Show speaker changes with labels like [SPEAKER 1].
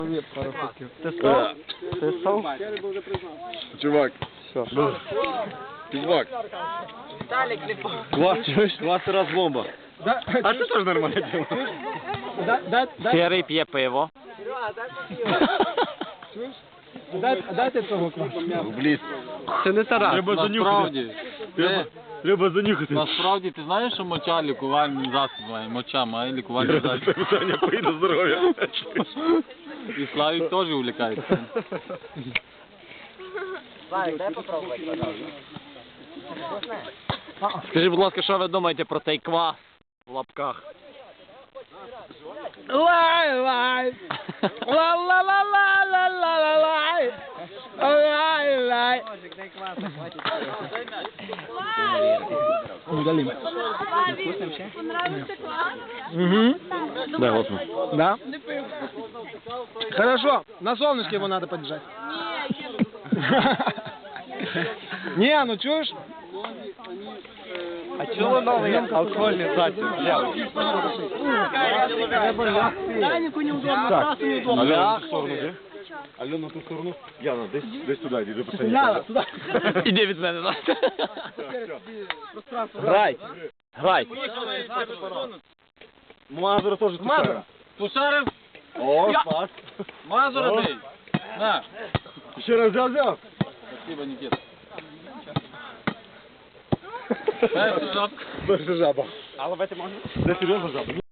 [SPEAKER 1] Ти став? Ти став?
[SPEAKER 2] Чувак.
[SPEAKER 1] Все.
[SPEAKER 2] Чувак.
[SPEAKER 1] Клас раз бомба.
[SPEAKER 2] А це теж нормально діло.
[SPEAKER 1] Серий п'є пиво.
[SPEAKER 3] Дайте того класу.
[SPEAKER 2] Бліз.
[SPEAKER 1] Це не Тарас.
[SPEAKER 2] Треба занюхати. Треба занюхати.
[SPEAKER 4] Насправді, ти знаєш, що моча лікувальний засіб має? Моча має лікувальний засіб.
[SPEAKER 2] Питання поїде здоров'я.
[SPEAKER 4] І Славік теж увлікається.
[SPEAKER 1] Скажіть, будь ласка, що ви думаєте про цей квас в лапках? Лай-лай! Ла-ла-ла-ла-ла-ла-ла-лай! Лай-лай!
[SPEAKER 3] Угу.
[SPEAKER 1] Дай голосно.
[SPEAKER 3] Да? Хорошо, на солнышке его надо подержать. Не, ну чуешь?
[SPEAKER 1] А чого новий алкогольний засіб?
[SPEAKER 3] Данику неудобно, Тарасу неудобно.
[SPEAKER 2] Альона, в ту сторону, де? Альона, в ту сторону. Яна, десь туди, йди, пацані.
[SPEAKER 3] Ляна, туда.
[SPEAKER 1] Іди від мене, на. Грай! Грай!
[SPEAKER 2] Мазура теж тушара.
[SPEAKER 4] Тушарив,
[SPEAKER 2] О, спас.
[SPEAKER 4] Мазура бей. На.
[SPEAKER 2] Ще раз взяв.
[SPEAKER 4] Спасибо, Никита. Перший жаб.
[SPEAKER 2] Перша жаба.
[SPEAKER 1] А ловити можна?
[SPEAKER 2] Це серйозна жаба?